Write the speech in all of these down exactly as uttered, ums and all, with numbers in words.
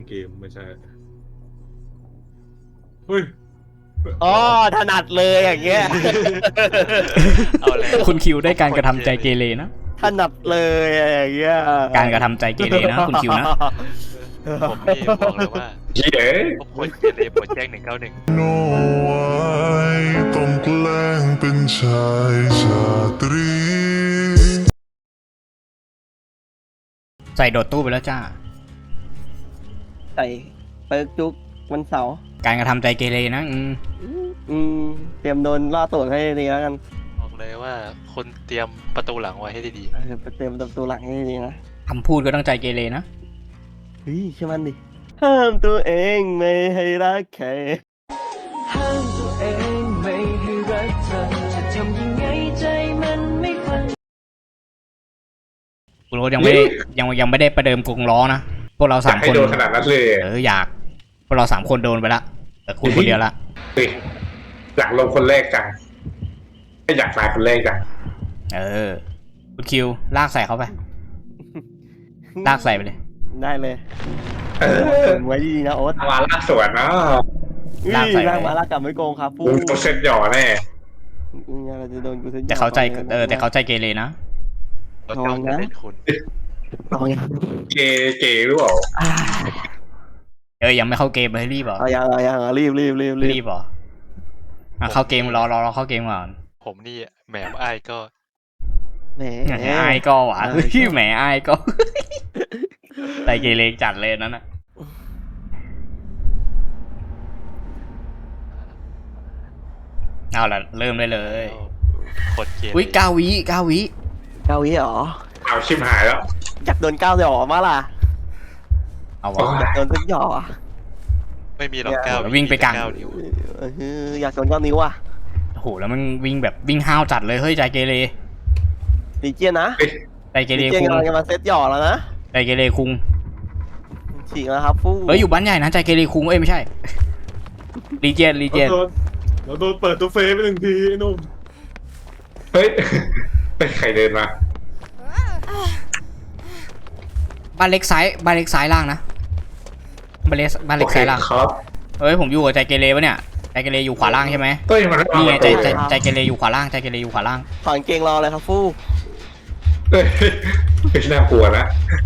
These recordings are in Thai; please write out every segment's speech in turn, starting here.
เกมไม่ใช่เฮ้ยอ๋อถนัดเลยอย่างเงี้ยเอาแล้วคุณคิวได้การกระทำใจเกเรนะถนัดเลยอย่างเงี้ยการกระทำใจเกเรนะคุณคิวนะผมนี่บอกเลยว่าเย้ผมควรเกเรปวดแจ้งหนึ่งเก้าหนึ่งโนไว้ต้องแกล้งเป็นชายชาตรีใส่โดดตู้ไปแล้วจ้าใส่เปิร์กจุกวันเสาร์การกระทำใจเกเรนะอืมอืมเตรียมโดนล่าตัวให้ดีแล้วกันบอกเลยว่าคนเตรียมประตูหลังไว้ให้ดีเออเตรียมตัวหลังให้ดีนะคำพูดก็ต้องใจเกเรนะเฮ้ยใช่มันดิห้ามตัวเองไม่ให้รักใครห้ามตัวเองไม่ให้รักเธอจะทำยังไงใจมันไม่ฟังคุณโรสยังไม่ได้ยังยังไม่ได้ประเดิมกรงล้อนะพวกเราสามคนโดนขนาดนั้นเลยเอออยากพวกเราสามคนโดนไปละแต่คุณคนเดียวละอยากลงคนแรกจังไม่อยากตายคนแรกจังเออคุณคิวลากใส่เขาไปลากใส่ไปเลยได้เลยเออไว้ดีนะโอ๊ตมาลากสวนเนาะลากใส่ลากมาลากกลับไม่โกงครับฟูกูเซ็ตหย่อแน่เราจะโดนกูเซ็ตแต่เขาใจเออแต่เขาใจเกเรนะๆเราจ้องจะเล่นคุณเอาไงเกเกหรือเปล่าเออยังไม่เข้าเกมเลยรีบเหรอเอายังเอายังรีบรีบรีบรีบเหรออ่ะเข้าเกมรอรอรอเข้าเกมก่อนผมนี่แหมไอ้ก็แหมไอ้ก็หวานพี่แหมไอ้ก็ใจเกเรจัดเลยนั่นน่ะเอาละเริ่มได้เลยคนเกเรอุ้ยเก้าวิเก้าวิเก้าวิหรอเอาชิมหายแล้วอยากโดนเก้าหยอมาล่ะเอาวะอยากโดนสักหยอไม่มีหรอกเก้าวิ่งไปกลางอยากโดนเก้านิ้วอ่ะโอ้โหแล้วมันวิ่งแบบวิ่งห้าวจัดเลยเฮ้ยใจเกเรดีเจียนนะใจเกเรคุงจะมาเซตหยอแล้วนะใจเกเรคุงฉีกแล้วครับฟูเฮ้ยอยู่บ้านใหญ่นะใจเกเรคุงเอ้ยไม่ใช่รีเจนรีเจนเราโดนเปิดตัวเฟซไปหนึ่งทีไอ้นุ่มเฮ้ยเป็นใครเดินมาบ้านเล็กซ้ายบ้านเล็กซ้ายล่างนะบ้านเล็กบ้านเล็กซ้ายล่างครับเฮ้ยผมอยู่กับใจเกเรปะเนี่ยใจเกเรอยู่ขวาล่างใช่ไหมเฮ้ยมันนี่ไงใจใจใจเกเรอยู่ขวาล่างใจเกเรอยู่ขวาล่างถอนเกงรอเลยครับฟูเฮ้ยไม่น่ากลัวนะ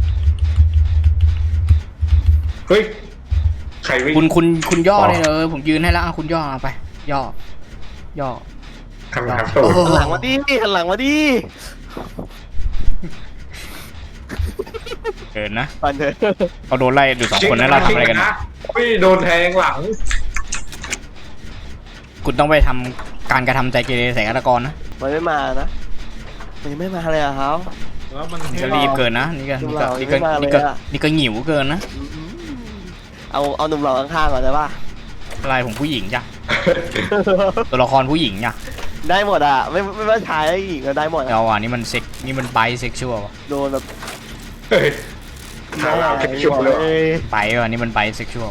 เฮ้ยใครวิ่งคุณคุณคุณย่อเลยเออผมยืนให้แล้วคุณย่อเอาไปย่อย่อทำทำตัวหันหลังมาดิหันหลังมาดิเกินนะปันเถอะเขาโดนไล่อยู่สองคนนั้นเราทำอะไรกันนะพี่โดนแทงหลังคุณต้องไปทำการกระทำใจเกเรใส่ฆาตกรนะมันไม่มานะมันไม่มาเลยอะครับแล้วมันจะรีบเกินนะนี่ก็นี่ก็นี่ก็นี่ก็นี่ก็หิวเกินนะเอาเอาหนุ่มหล่อข้างๆก่อนได้ป่ะอะไรผมผู้หญิงจ้ะตัวละครผู้หญิงจ้ะได้หมดอ่ะไม่ไม่ว่าชายหรือหญิงก็ได้หมดเอาอ่ะนี่มันเซ็กนี่มันไบเซ็กชวลโดนแบบเฮ้ยหาเราเซ็กชวลเลยไปว่ะนี่มันไบเซ็กชวล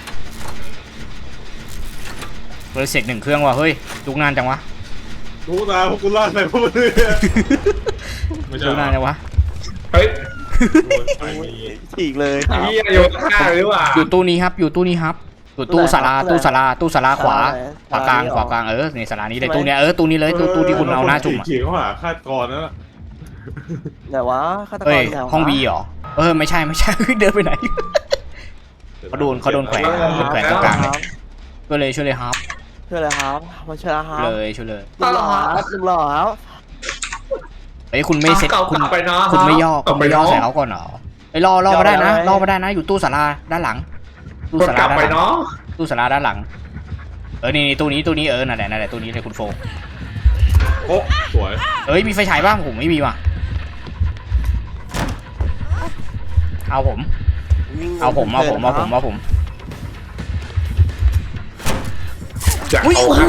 เลยเสกหนึ่งเครื่องว่ะเฮ้ยลุกนานจังวะลุกนานพวกกูล่าอะไรพวกมึงลุกนานจังวะเฮ้ยฉีกเลยเฮียโยนข้าหรือเปล่าอยู่ตู้นี้ครับอยู่ตู้นี้ครับอยู่ตู้ศาลาตู้ศาลาตู้ศาลาขวาขวากลางขวากลางเออในศาลานี้เลยตู้เนี้ยเออตู้นี้เลยตู้ตู้ที่คุณเอาหน้าจุ่มอ่ะเขียนว่าฆาตกรนั่นแหละไหนวะฆาตกรห้องวีเหรอเออไม่ใช่ไม่ใช่เดินไปไหนเขาโดนเขาโดนแขวนแขวนตรงกลางก็เลยช่วยเลยครับช่วยเลยครับมาช่วยครับเลยช่วยเลยลุงหล่อครับลุงหล่อครับเฮ้ยคุณไม่เซ็ตคุณคุณไม่ย่อคุณไม่ย่อใส่เขาก่อนเหรอไอ้รอรอมาได้นะรอมาได้นะอยู่ตู้ศาลาด้านหลังตู้ศาลาด้านหลังตู้ศาลาด้านหลังเออนี่ตู้นี้ตู้นี้เออนั่นแหละนั่นแหละตู้นี้เลยคุณโฟโอ้สวยเอ้ยมีไฟฉายบ้างผมไม่มีว่ะเอาผมเอาผมเอาผมเอาผมเอาผมอุ้ยโอ้โห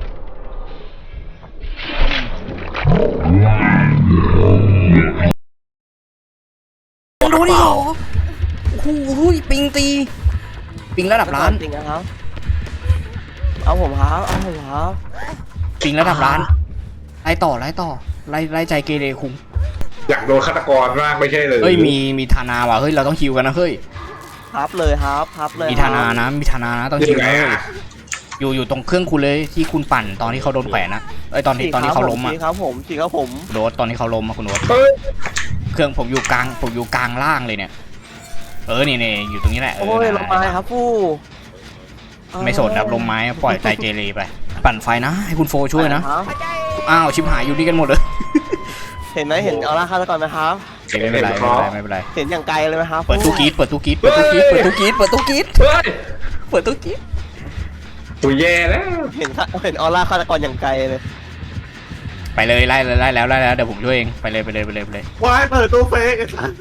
โดนดิเหรอโอ้โหปิงตีปิงระดับล้านปิงครับเอาผมครับเอาผมครับปิงระดับล้านไล่ต่อไล่ต่อไล่ไล่ใจเกเรคุ้มอยากโดนฆาตกรมากไม่ใช่เลยเฮ้ยมีมีธานาว่ะเฮ้ยเราต้องฮิวกันนะเฮ้ยพับเลยครับพับเลยมีธนานะมีธนานะต้องชิวเลยอยู่อยู่ตรงเครื่องคุณเลยที่คุณปั่นตอนที่เขาโดนแขวนนะไอยตอนที่ตอนที่เขาล้มอ่ะสีครับผมสีครับผมโดดตอนที่เขาล้มอะคุณโดดเครื่องผมอยู่กลางผมอยู่กลางล่างเลยเนี่ยเออนี่นี่อยู่ตรงนี้แหละเอโอ้อยลงมาครับฟู่ไม่สนครับลมไม้ปล่อยใจเกเรไปปั่นไฟนะให้คุณโฟช่วยนะอ้าวชิบหายอยู่นี่กันหมดเลยเห็นไหมเห็นเอาละครับก่อนไหมครับไม่เป็นไรไม่เป็นไรไม่เป็นไรเห็นอย่างไกลเลยไหมครับเปิดตู้กีดเปิดตู้กีดเปิดตู้กีดเปิดตู้กีดเปิดตู้กีดเฮ้ยเปิดตู้กีดตัวแย่แล้วเห็นเห็นออร่าฆาตกรอย่างไกลเลยไปเลยไล่เลยไล่แล้วไล่แล้วเดี๋ยวผมช่วยเองไปเลยไปเลยไปเลยไปเลยวายเปิดตู้เฟกไอ้สัส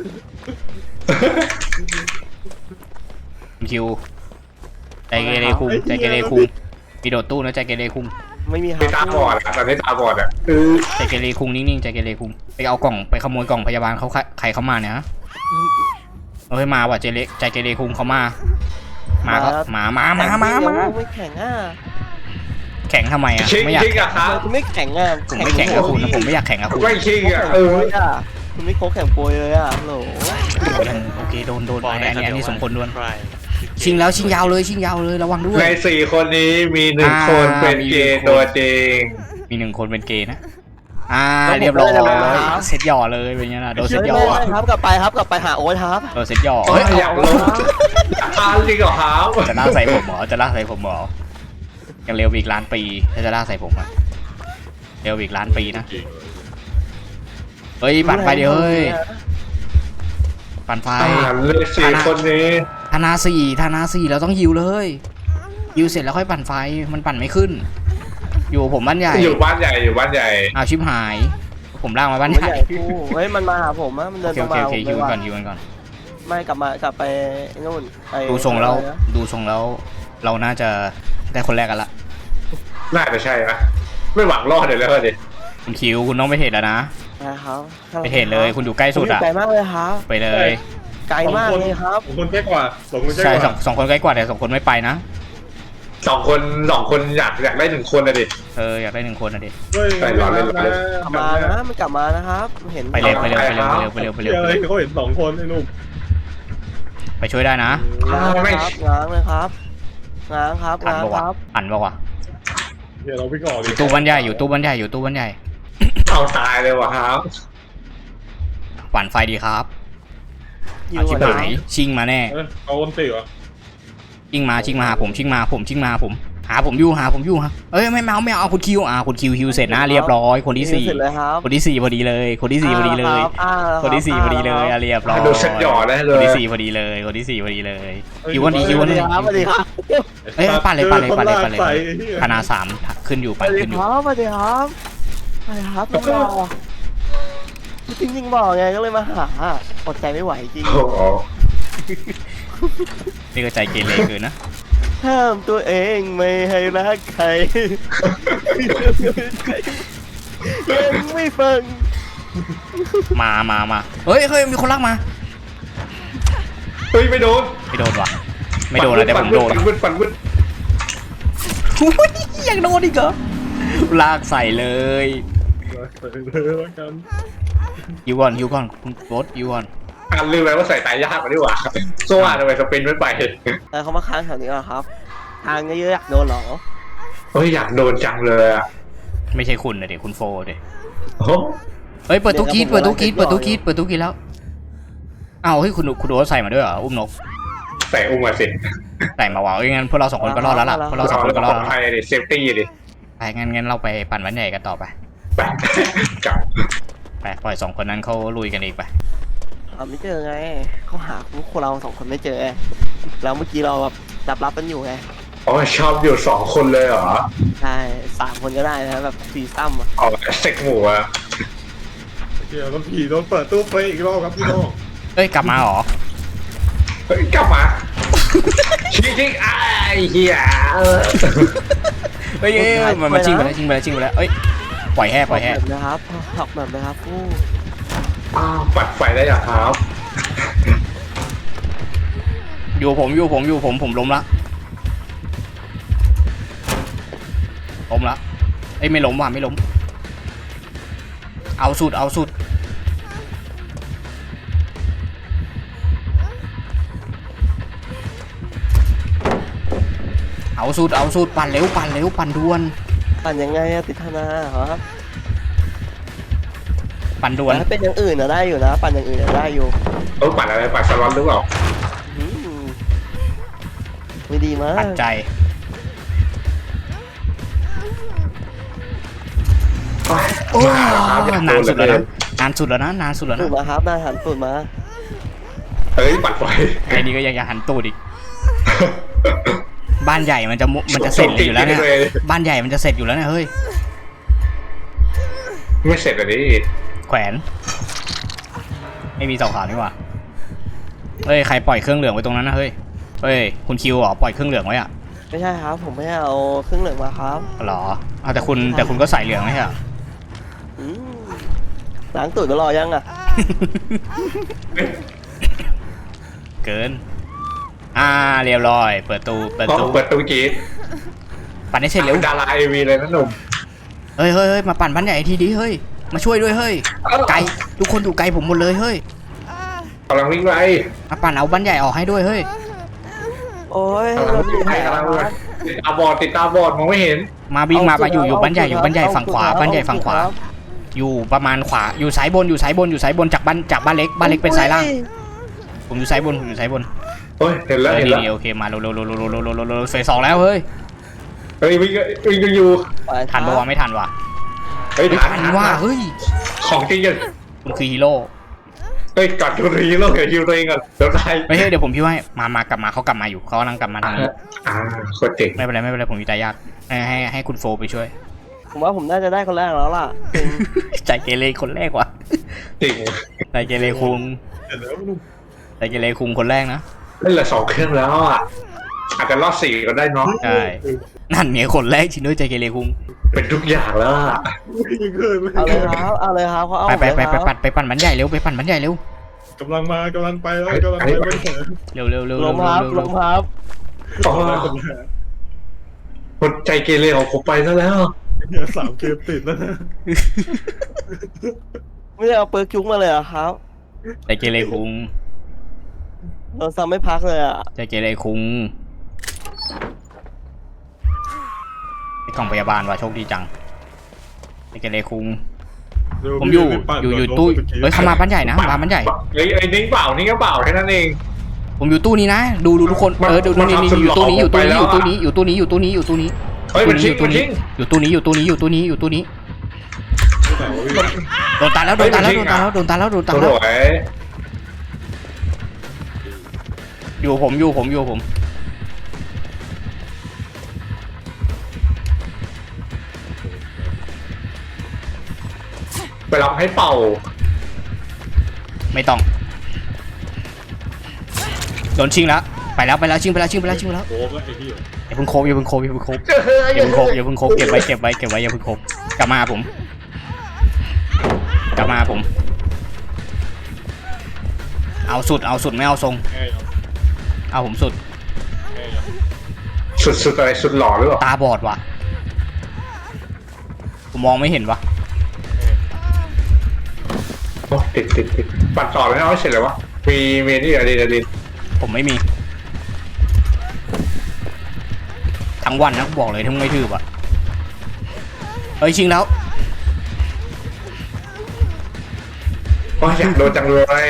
คุณคิวใจเกเรคุงใจเกเรคุงมีโดดตู้นะใจเกเรคุงไม่มีคไม่ตารับบอดอ่ะตอนนี้ตาบอดอ่ะเออใจเกเรคุงนิ่งๆใจเกเรคุงไปเอากล่องไปขโมยกล่องพยาบาลเขาใครเขามาเนี่ยฮะเฮ้ยมาว่ะใจเกเรใจเกเรคุงเขามามาก็มามามามามาไม่แข็งอ่ะแข่งทำไมอ่ะคิงไม่อยากคิงอะครับคุณไม่แข็งอ่ะผมไม่แข่งกับคุณนะผมไม่อยากแข่งกับคุณไม่คิงแข็อ่ะงเอโปอยอ่ะคุณไม่โค้งแข็งโปยเลยอ่ะโหลโอเคโดนโดนบอกอันได้นี้อันนี้สมควรโดนใช่ชิงแล้วชิงยาวเลยชิงยาวเลยระวังด้วยในสี่คนนี้มีหนึ่งอ่าคนเป็นมีเกหนึ่งย์คนตัวจริงมีหนึ่งคนเป็นเกย์นะอ่าเรียบร้อยเซ็ตหย่อเลยเป็นไงล่ะโดนเซ็ตหย่อไม่ครับกลับไปครับกลับไปหาโอ๊ตครับโดนเซ็ตหย่อเฮ้เฮ้ยยอยากลงอยากทานจริงเหรอครับจะลากใส่ผมเหรอจะลากใส่ผมเหรอยังเร็วอีกล้านปีถ้าจะลากใส่ผมอ่ะเร็วอีกล้านปีนะเฮ้ยปั่นไฟเดี๋ยวเฮ้ยปั่นไฟอ่าเลยสี่คนนี้ธนาสี่ธนาสี่เราต้องยิวเลยยิวเสร็จแล้วค่อยปั่นไฟมันปั่นไม่ขึ้น อยู่ผมบ้านใหญ่อยู่บ้านใหญ่อยู่บ้านใหญ่อ้าวชิบหาย ผมลากมาบ้านไม่ใหญ่ใหญ่คู่เฮ้ยมันมาหาผมอะมันเดิโอน เคมาโอเคโอเคผมยิวเลยกันก่อว่านยิวกันก่อนไม่กลับมากลับไปนู่นไปดูทรงแล้วดูทรงแล้ว เราน่าจะได้คนแรกกันละน่าจะใช่ปะไม่หวังรอดเลยแล้วดิคุณคิวคุณต้องไปเทรดแล้วนะนะครับไปเทรดเลยคุณอยู่ใกล้สุดอ่ะไกลมากเลยครับไปเลยไกลมากเลยครับสองคนใกล้กว่าสองคนใกล้ใช่กสอว่างสองคนใกล้กว่าแต่สองคนไม่ไปนะสองคนสองคนอยากอยากได้หนึ่งคนนะดิเอออยากได้หนึ่งคนนะดิไปรอเล่นรอเล่นกลับมานะมันกลับมานะครับเห็นไปเร็วไปเร็วไปเร็วไปเร็วไปเร็วไปเร็วเฮ้ยเขาเห็นสองคนไอ้หนุ่มไปช่วยได้นะง้างเลยครับง้างเลยครับง้างครับอันง้างปะควะรับอันปะวะเดี๋ยวเราไปก่อนอดิยู่ตู้บ้านใหญ่อยู่ตู้บ้านใหญ่อยู่ตู้บ้านใหญ่เอาตายเลยว่ะครับปั่นไฟดีครับยิเอาวชิบก่อนหายนะชิงมาแน่เออเอาคนตีวะชิงมาชิงมาหาผมชิงมาผมชิงมาผม หาผมอยู่หาผมอยู่ฮะเอ้ยไม่เอาไม่เอาเอาคุณคิวอ่าคุณคิวคิวเสร็จนะเรียบร้อยคนที่สี่เสร็จเลยครับคนที่สี่พอดีเลย คนที่สี่พอดีเลยอ่ารับคนที่สี่พอดีเลยอ่ะเรียบร้อยดูเซ็ตหย่อได้เลคนยที่สี่พอดีเลย คนที่สี่พอดีเลยคิววันนี้คิวสวัวัน สดีนี้ครับสวัสดีครับเอ้ยปั่นเลยปั่นเลยปั่นเลยปั่นเลยใส่ธนาสามขึ้นอยู่สปั่นวัสดีขึ้นอคยู่รับสวัสดีครับสวัสดีครับน้องรอจริงๆบอกไงก็เลยมาหาอดใจไม่ไหวจริงโอ้โหนี่ก็ใจเกเรเกินนะห้ามตัวเองไม่ให้รักใครยังไม่ฟังมามามาเฮ้ยเฮ้ยมีคนรักมาเฮ้ยไม่โดนไม่โดนว่ะไม่โดนแล้วแต่ผมโดนฟันวึดฟันวึดอุ๊ยยังโดนอีกเหรอลากใส่เลยฟันวึดเลยแล้วกันยูก่อนยูก่อนคุณโรสยูก่อนอ่านลืมไปว่าใส่ตายยากกว่าดีกว่าโซ่ทำไมสปินไม่ไปแต่เขามาค้างแถวนี้เหรอครับทางเยอะๆอยากโดนเหรอเฮ้ยอยากโดนจังเลยอ่ะไม่ใช่คุณนะเด็กคุณโฟเด็กโอ้โหเฮ้ยเปิดตู้กีดเปิดตู้กีดเปิดตู้กีดเปิดตู้กีดแล้วอ้าวเฮ้ยคุณคุณโรสใส่มาด้วยเหรออุ้มนกใส่อุ้มมาสิใส่มาว่ะเอ้ยงั้นพวกเราสองคนก็รอดแล้วล่ะพวกเราสองคนก็รอดปลแล้วภัยดิเซฟตี้ดิไปงั้นงั้นเราไปปั่นวันใหญ่กันต่อไปไปกลับไปปล่อยสองคนนั้นเขาลุยกันเองไปหาไม่เจอไงเขาหาพวกเราสองคนไม่เจอแล้วเมื่อกี้เราแบบจับรับกันอยู่ไงอ๋อชอบอยู่สองคนเลยเหรอใช่สามคนก็ได้นะแบบสี่ซ้ำอ่ะอ๋อเซ็กหมูอ่ะเดี๋ยวต้องผีโดนเปิดตู้เฟซอีกรอบครับพี่น้องเอ้ยกลับมาเหรอเฮ้ยกลับมาชิงชิงไอ้เหี้ยเฮ้ยเอ้ยเอ้ยมันมาชิงไปแล้วชิงไปแล้วชิงไปแล้วเอ้ยปล่อยแห่ปล่อยแห่แบบนะครับหักแบบนะครับผู้อ้าวปัดไฟได้อย่างครับอยู่ผมอยู่ผมอยู่ผมผมล้มละล้มละเอ้ยไม่ล้มว่ะไม่ล้มเอาสุดเอาสุดเอาสุดเอาสุดปั่นเร็วปั่นเร็วปั่นด่วนปั่นยังไงอะติดธนาเหรอปั่นด่วนถ้าเป็นอย่างอื่นอะได้อยู่นะปั่นอย่างอื่นอะได้อยู่เออปั่นอะไรปั่นสล็อตหรือเปล่าอืมไม่ดีมากปั่นใจโอ้นานสุดแล้วนะนานสุดแล้วนะนานสุดแล้วตูนะดมาครับหน้าหันตูดมาเฮ้ยปั่นไฟไอ้นี่ก็ยังจะหันตูดอีกบ้านใหญ่มันจะมันจะเสร็จอยู่แล้วเนี่ยบ้านใหญ่มันจะเสร็จอยู่แล้วเนี่ยเฮ้ยไม่เสร็จเลยดิแขวนไม่มีเสาขาวนี่หว่าเฮ้ยใครปล่อยเครื่องเหลืองไว้ตรงนั้นนะเฮ้ยเฮ้ยคุณคิวเหรอปล่อยเครื่องเหลืองไว้อะไม่ใช่ครับผมไม่ได้เอาเครื่องเหลืองมาครับหรอเอาแต่คุณแต่คุณก็ใส่เหลืองไม่ใช่เหรออืมล้างตูดก็รอยังอะเกินอ่าเรียบร้อยเปิดตู้เปิดอ๋อตู้เปิดตู้กีดปั่นให้เสร็จเร็วดาราเอวีเลยนะหนุ่มเฮ้ยเฮ้ยเฮ้ยมาปั่นบ้านใหญ่ทีดีเฮ้ยมาช่วยด้วยเฮ้ยไกลทุกคนอยู่ไกลผมหมดเลยเฮ้ยกำลังวิ่งไปมาปั่นเอาบ้านใหญ่ออกให้ด้วยเฮ้ยโอ้ยกำลังเราวิ่ดีงไปให้คกำรัลังบวิ่งติดตาบอดติดตาบอดมองไม่เห็นมาวิ่งมาเอามาอยู่เอาอยู่บ้านใหญ่เอาอยู่บ้านใหญ่เอาฝั่งขวาเอาบ้านใหญ่ฝั่งขวาเอาอยู่ประมาณขวาอยู่ซ้ายบนอยู่ซ้ายบนอยู่ซ้ายบนจากบ้านจากบ้านเล็กบ้านเล็กเป็นซ้ายล่างผมอยู่ซ้ายบนผมอยู่ซ้ายบนเฮ้ยเห็นแล้วเออเห็นนี่แล้วนี่โอเคมาเร็วเร็วเร็วเร็วเร็วเร็วเร็วเร็วเร็วเฟสสองแล้วเฮ้ยเฮ้ยวิ่งวิ่งอยู่ไปทันปะวะไม่ทันวะเฮ้ยเฮ้ยทันทันว่ะเฮ้ยของจริงยังคุณคือฮีโร่เฮ้ยกัดตัวนี้แล้วเดี๋ยวฮิวตัวเองก่อนเดี๋ยวได้ไม่ใช่เดี๋ยวผมพี่ให้มามากลับมาเขากลับมาอยู่เขากำลังกลับมาทางนี้อ่าโคตรเจ๋งไม่เป็นไรไม่เป็นไรผมอยู่ตายากให้ให้ให้คุณโฟไปช่วยผมว่าผมน่าจะได้คนแรกแล้วล่ะจริงใจเกเรคนแรกว่ะจริงใจเกเรคุงเห็นแล้วนุ่มใจเกเรคุงคนแรกนะเล่นละสองเครื่องแล้วอ่ะอาจจะรอดสี่ก็ได้เนาะใช่นั่นเนี่ยคนแรกชินด้วยใจเกเรคุงเป็นทุกอย่างแล้วอะยังเกินเอาเลยครับเอาเลยครับเขาเอาไปไปไปเลยไปครับปั่นไปปั่นบันใหญ่เร็วไปปั่นบันใหญ่เร็วกำลังมากำลังไปแล้วกำลังไปไม่เห็นเร็วเร็วเร็วลเร็วงครับเร็วลเร็วงครับอ๋อคนใจเกเรของผมไปซะแล้วเนี่ยสามเกมติดแล้วนะไม่ได้เอาเปิร์กจุ้งมาเลยเหรอะครับใจเกเรคุงโดนซ้ำไม่พักเลยอะใจเกเรคุงไอ้กล่องพยาบาลว่ะโชคดีจังใจเกเรคุงผมอยู่อยู่อยู่ตู้เฮ้ยเข้ามาบ้านใหญ่นะมาบ้านใหญ่ไอ้ไอ้นิ้งเปล่านิ้งก็เปล่าแค่นั้นเองผมอยู่ตู้นี้นะดูดูทุกคนเออดูนี่นี่อยู่ตู้นี้อยู่ตู้นี้อยู่ตู้นี้อยู่ตู้นี้อยู่ตู้นี้อยู่ตู้นี้เฮ้ยมันชิงอยู่มันตู้ชินี้งอยู่ตู้นี้อยู่ตู้นี้อยู่ตู้นี้อยู่ตู้นี้โดนตายแล้วโดนตายแล้วโดนตายแล้วโดนตายแล้วโดนตายสแล้ววยอยู่ผมอยู่ผมอยู่ผมไปรับให้เป่าไม่ต้องโดนชิงแล้วไปแล้วไปแล้วชิงไปแล้วชิงไปแล้วชิงไปแล้วโอ้ก็ไอ้ที่อย่าเพิ่งโคบอย่าเพิ่งโคบอย่าเพิ่งโคบอย่าเพิ่งโคบอย่าเพิ่งโคบเก็บไว้เก็บไว้เก็บไว้อย่าเพิ่งโคบกลับมาผม กลับมาผม เอาสุดเอาสุดไม่เอาทรงแง่ยังเอาผมสุดแง่ยังสุดสุดอะไรสุดหล่อหรือเปล่าตาบอดว่ะผมมองไม่เห็นว่ะโอ้ติดติดติดปัดต่อไม่เอาให้เสร็จเลยวะมีเมนี่อะไรอะไรผมไม่มีทั้งวันนะบอกเลยทั้งไม่ทืบอ่ะเฮ้ยชิงแล้วโอ้ยอยากโดนจังเลย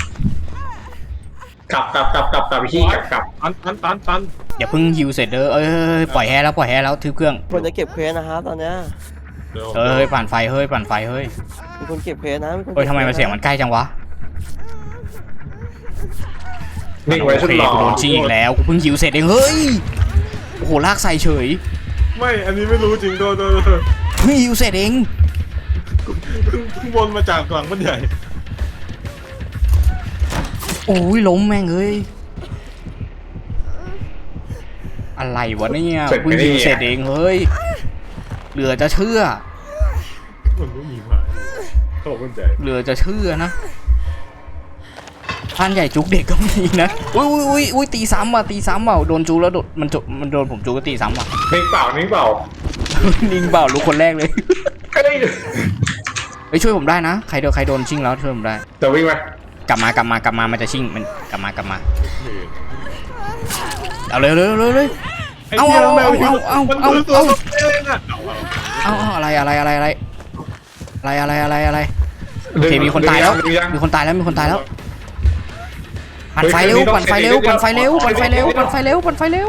กลับกลับกลับกลับกลับพี่กลับกลับตันตันตันตันอย่าเพิ่งฮิวเสร็จเด้อเอ้ยปล่อยแฮแล้วปล่อยแฮแล้วทืบเครื่องคนจะเก็บเควสนะครับตอนเนี้ยเดี๋ยวเฮ้ยปั่นไฟเฮ้ยปั่นไฟเฮ้ยมีคนเก็บเควสนะมีคนเฮ้ยทำไมมันเสียงมันใกล้จังวะนิ่งไว้โอสุดเคหล่อกูโดนชิงอีกแล้วกูเพิ่งฮิวเสร็จเองเฮ้ยโอ้โหลากใส่เฉยไม่อันนี้ไม่รู้จริงโดนโดนโดนเพิ่งฮิวเสร็จเองเพิ่งเพิ่งวนมาจากหลังมันใหญ่โอ้ยล้มแม่งเอ้ยอะไรวะเนี่ยเพิ่งฮิวเสร็จเองเฮ้ยเหลือจะเชื่อมันไม่มีไม้เขาบอกมันใหญ่เหลือจะเชื่อนะท่านใหญ่จุกเด็กก็มีนะอุ้ยอุ้ยอุ้ยอุ้ยตีซ้ำว่ะตีซ้ำว่ะโดนจุกแล้วโดนมันจุมันโดนผมจุกก็ตีซ้ำว่ะนิ่งเปล่านิ่งเปล่านิ่งเปล่ารู้คนแรกเลยเฮ้ยไปช่วยผมได้นะใครโดนใครโดนชิงแล้วช่วยผมได้จะวิ่งไหมกลับมากลับมากลับมามันจะชิงมันกลับมากลับมาเอาเร็วเร็วเร็วเลยไปไอ้เอาเหี้ยเอาแมวเอาเอามันเอาดูตัวเอาเองอ่ะเอาเอาอะไรอะไรอะไรอะไรอะไรอะไรอะไรอะไรโอเคมีคนตายแล้วมีคนตายแล้วมีคนตายแล้วปั่นไฟเร็วปั่นไฟเร็วปั่นไฟเร็วปั่นไฟเร็วปั่นไฟเร็วปั่นไฟเร็ว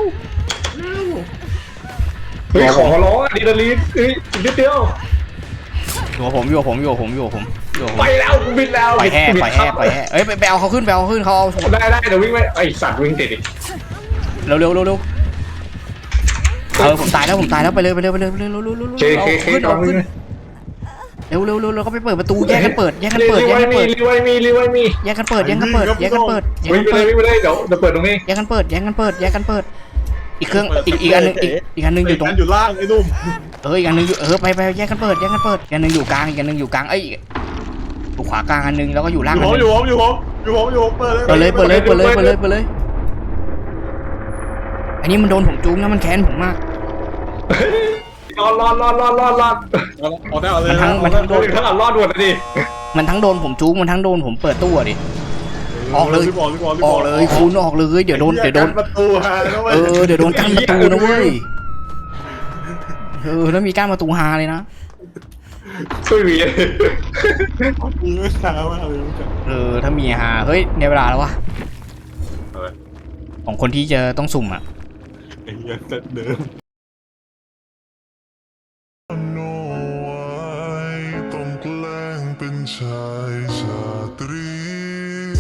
เฮ้ยขอร้องอะดีนาลีนเฮ้ยอีกนิดเดียวอยู่กับผมอยู่กับผมอยู่กับผมอยู่กับผมอยู่กับผมไปแล้วกูบินแล้วปล่อยแห่ปล่อยแห่ปล่อยแห่เอ้ยไปไปเอาเขาขึ้นไปเอาเขาขึ้นเขาเอาได้ได้เดี๋ยววิ่งไปไอสัตว์วิ่งติดอีกเร็วเร็วเร็วเร็วเออผมตายแล้วผมตายแล้วไปเลยไปเลยไปเลยไปเลยเร็วเร็วเร็วเร็วเคเคเอาเคขึ้นกำลัเอางวิ่ขึ้งนเร็วเร็วเร็วเร็วก็ไปเปิดประตูแยกกันเปิดแยกกันเปิดรีแยกไว้กันมีเปิดรีไว้มีรีไว้มีแยกกันเปิดแยกกันเปิดแยกกันเปิดแยกกันเปิดแยกวิ่กังนไปเปิเลยดวิ่งไปเลยเดี๋ยวเดี๋ยวเปิดตรงนี้แยกกันเปิดแยกกันเปิดอีกเครื่องอีกอีกอันนึงอีกอีกอันนึงอยู่ตรงอยู่ล่างไอ้นุ่มเอออีกอันนึงอยู่เออไปไปแยกกันเปิดแยกกันเปิดอีกอันนึงอยู่กลางอีกอันนึงอยู่กลางเอ้ยอยู่ขวากลางอันนึงแล้วก็อยู่ล่างอยู่อันผมนึงอยู่ผมอยู่ผมอยู่ผมอยู่ผมเปิดเลยเปิดเลยเปิดเลยเปิดเลยเปิดเลยเปิดเลยอันนี้มันโดนผมจูงนะมันแค้นผมมากรอดรอดรอดรอดรอดรอดเอาได้เอาเลยมันทั้งมันทั้งโดนทั้งหลังรอดด่วนเลยดิมันทั้งโดนผมจูงมันทั้งโดนผมเปิดตู้อะดิ ออกเลยรีบออกรีบออกรีบออกเลยคุณออกเลยเดี๋ยวโดนเดี๋ยวโดนประตูฮะนะเว้ยเออเดี๋ยวโดนกั้นประตูนะเว้ยเออแล้วมีกั้นประตูฮาเลยนะช่วยวีมีไม่ช้ามากเลยเออถ้ามีฮาเฮ้ยในเวลาแล้ววะของคนที่จะต้องสุ่มอ่ะไอ้เหี้ยเซตเดิมโน้ไว้ต้องแกล้งเป็นชายชาตรี